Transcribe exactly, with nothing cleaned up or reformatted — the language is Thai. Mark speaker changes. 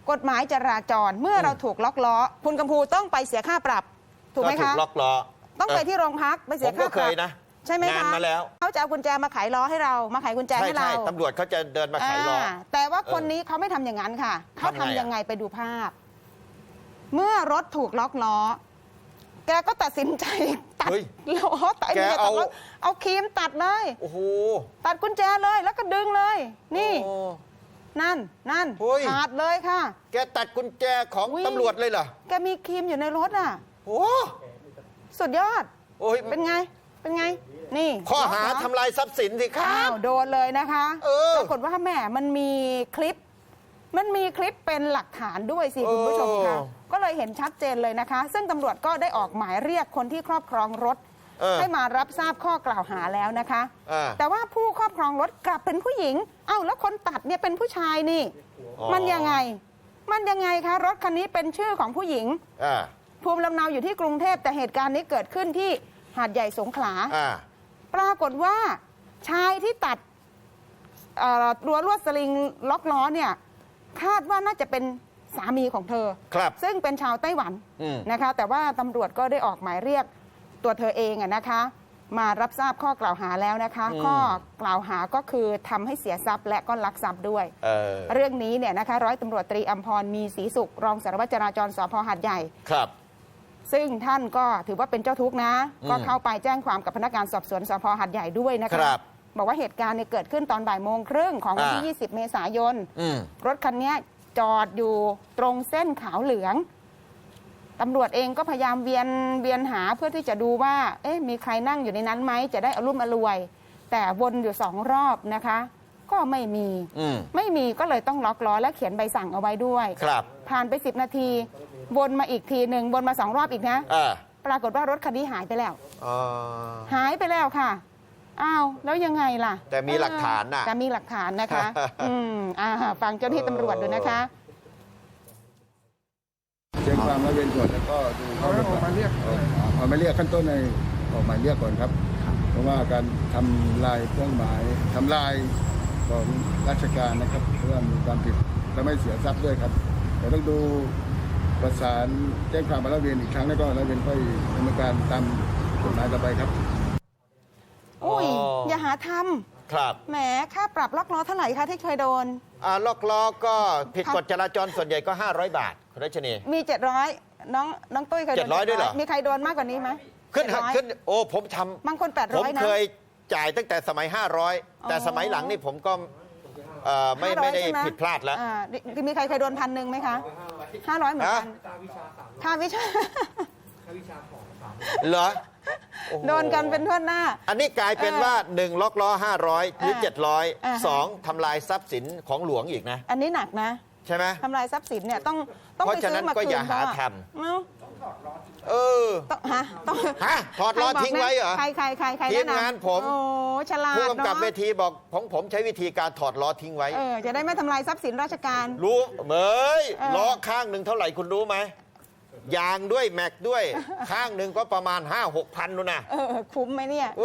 Speaker 1: กฎหมายจราจรเมื่อเราถูกล็อกล้อคุณกำพูต้องไปเสียค่าปรับถูกไหมคะ
Speaker 2: ถูกล็อกล้อ
Speaker 1: ต้องไปที่โรงพักไปเสียค่าปรับนะ
Speaker 2: ใช่ไหมคะ
Speaker 1: มาแล้วเขาจะเอากุญแจมาไขล้อให้เรามาไขกุญแจให้เรา
Speaker 2: ตำรวจเขาจะเดินมาไขล้อ
Speaker 1: แต่ว่าคนนี้เขาไม่ทำอย่างนั้นค่ะเขาทำยังไงไปดูภาพ เมื่อรถถูกล็อกล้อแกก็ตัดสินใจตัดล้อตัดเอาเอาครีมตัดเลยโอ้โหตัดกุญแจเลยแล้วก็ดึงเลยนี่นั่นนั่นขาดเลยค่ะ
Speaker 2: แกตัดกุญแจของตำรวจเลยเหรอ
Speaker 1: แกมีครีมอยู่ในรถอ่ะ
Speaker 2: โอ้
Speaker 1: สุดยอดโอ้ยเป็นไงเป็นไงนี่
Speaker 2: ข้อหาทำลายทรัพย์สินสิครับ
Speaker 1: โดนเลยนะคะปรากฏว่าแม่มันมีคลิปมันมีคลิปเป็นหลักฐานด้วยสิคุณผู้ชมคะก็เลยเห็นชัดเจนเลยนะคะ ซึ่งตำรวจก็ได้ออกหมายเรียกคนที่ครอบครองรถให้มารับทราบข้อกล่าวหาแล้วนะคะแต่ว่าผู้ครอบครองรถกลับเป็นผู้หญิงเอ้าแล้วคนตัดเนี่ยเป็นผู้ชายนี่มันยังไงมันยังไงคะรถคันนี้เป็นชื่อของผู้หญิงภูมิลำเนาอยู่ที่กรุงเทพแต่เหตุการณ์นี้เกิดขึ้นที่หาดใหญ่สงขลาปรากฏว่าชายที่ตัดรั้วลวดสลิงล็อกล้อเนี่ยคาดว่าน่าจะเป็นสามีของเธอซึ่งเป็นชาวไต้หวันนะคะแต่ว่าตำรวจก็ได้ออกหมายเรียกตัวเธอเองนะคะมารับทราบข้อกล่าวหาแล้วนะคะข้อกล่าวหาก็คือทำให้เสียทรัพย์และก็ลักทรัพย์ด้วย เ, เรื่องนี้เนี่ยนะคะร้อยตำรวจตรีอัมพรมีศรีสุขรองสารวัตรจราจรสภ.หาดใหญ่ครับซึ่งท่านก็ถือว่าเป็นเจ้าทุกข์นะก็เข้าไปแจ้งความกับพนักงานสอบสวนสภ.หาดใหญ่ด้วยนะคะบอกว่าเหตุการณ์เนี่ยเกิดขึ้นตอนบ่ายโมงครึ่งของวันที่ยี่สิบเมษายนรถคันนี้จอดอยู่ตรงเส้นขาวเหลืองตำรวจเองก็พยายามเวียนเวียนหาเพื่อที่จะดูว่าเอ๊ะมีใครนั่งอยู่ในนั้นไหมจะได้อรุ่มอรวย แต่วนอยู่สองรอบนะคะก็ไม่มีไม่มีก็เลยต้องล็อกล้อและเขียนใบสั่งเอาไว้ด้วยครับผ่านไปสิบนาทีวนมาอีกทีหนึ่งวนมาสองรอบอีกนะปรากฏว่ารถคันนี้หายไปแล้วหายไปแล้วค่ะอ้าวแล้วยังไงล่ะ
Speaker 2: แต่มีหลักฐานนะ
Speaker 1: แต่มีหลักฐานนะคะอืมอ่าฟังเจ้าหน้าที่ตำรวจดูนะคะ
Speaker 3: แจ้งความร้อยเวรก่อนแล้วก็ดูเขาออกมาเรียกออกมาเรียกขั้นต้นในออกหมายเรียกก่อนครับเพราะว่าการทำลายเครื่องหมายทำลายของราชการนะครับเพื่อมีความผิดและไม่เสียทรัพย์ด้วยครับแต่ต้องดูประสานแจ้งความร้อยเวรอีกครั้งแล้วก็ร้อยเวรค่อยดำเนินการตามกฎหมายต่อไปครับ
Speaker 1: อุ้ยอย่าหาทำครับแหมค่าปรับล็อกล้อเท่าไหร่คะที่เคยโดน
Speaker 2: อ่าล็อกล้อก็ผิดกฎจราจรส่วนใหญ่ก็ห้าร้อยบาทคุณรัชนี
Speaker 1: มีเจ็ดร้อยน้องน้องตุ้ยเคยโดน
Speaker 2: เจ็ดร้อยด้วยเหรอ
Speaker 1: มีใครโดนมากกว่านี้ไหม
Speaker 2: ขึ้นขึ้นโอ้ผมท
Speaker 1: ำบางคนแปดร้อย
Speaker 2: นะผมเคยจ่ายตั้งแต่สมัยห้าร้อยแต่สมัยหลังนี่ผมก็ไม่ไม่ได้ผิดพลาดแล้ว
Speaker 1: มีใครเคยโดนพันหนึ่งไหมคะห้าร้อยเหมือนกันค่าวิชา
Speaker 2: เหรอ
Speaker 1: โดนกันเป็นทั่วหน้า
Speaker 2: อันนี้กลายเป็นว่าหนึ่งล็อกล้อห้าร้อยหรือเจ็ดร้อยสองทำลายทรัพย์สินของหลวงอีกนะ
Speaker 1: อันนี้หนักนะ
Speaker 2: ใช่ไหม
Speaker 1: ทำลายทรัพย์สินเนี่ยต้องต้องไปซื้อมาคืน
Speaker 2: ก็อย่าหาทำเออ
Speaker 1: ฮะต้อง
Speaker 2: ฮะถอดล้อทิ้งไว้เหรอ
Speaker 1: ใครใครใครใคร
Speaker 2: ทีมงานผม
Speaker 1: โอ้ฉลาด
Speaker 2: ผู้กำกับเวทีบอกของผมใช้วิธีการถอดล้อทิ้งไว้
Speaker 1: เออจะได้ไม่ทำลายทรัพย์สินราชการ
Speaker 2: รู้เหมยล้อข้างหนึ่งเท่าไหร่คุณรู้ไหมยางด้วยแม็กด้วยข้างหนึ่งก็ประมาณห้าหกพันนู่นนะ
Speaker 1: เออคุ้มไหมเนี่ย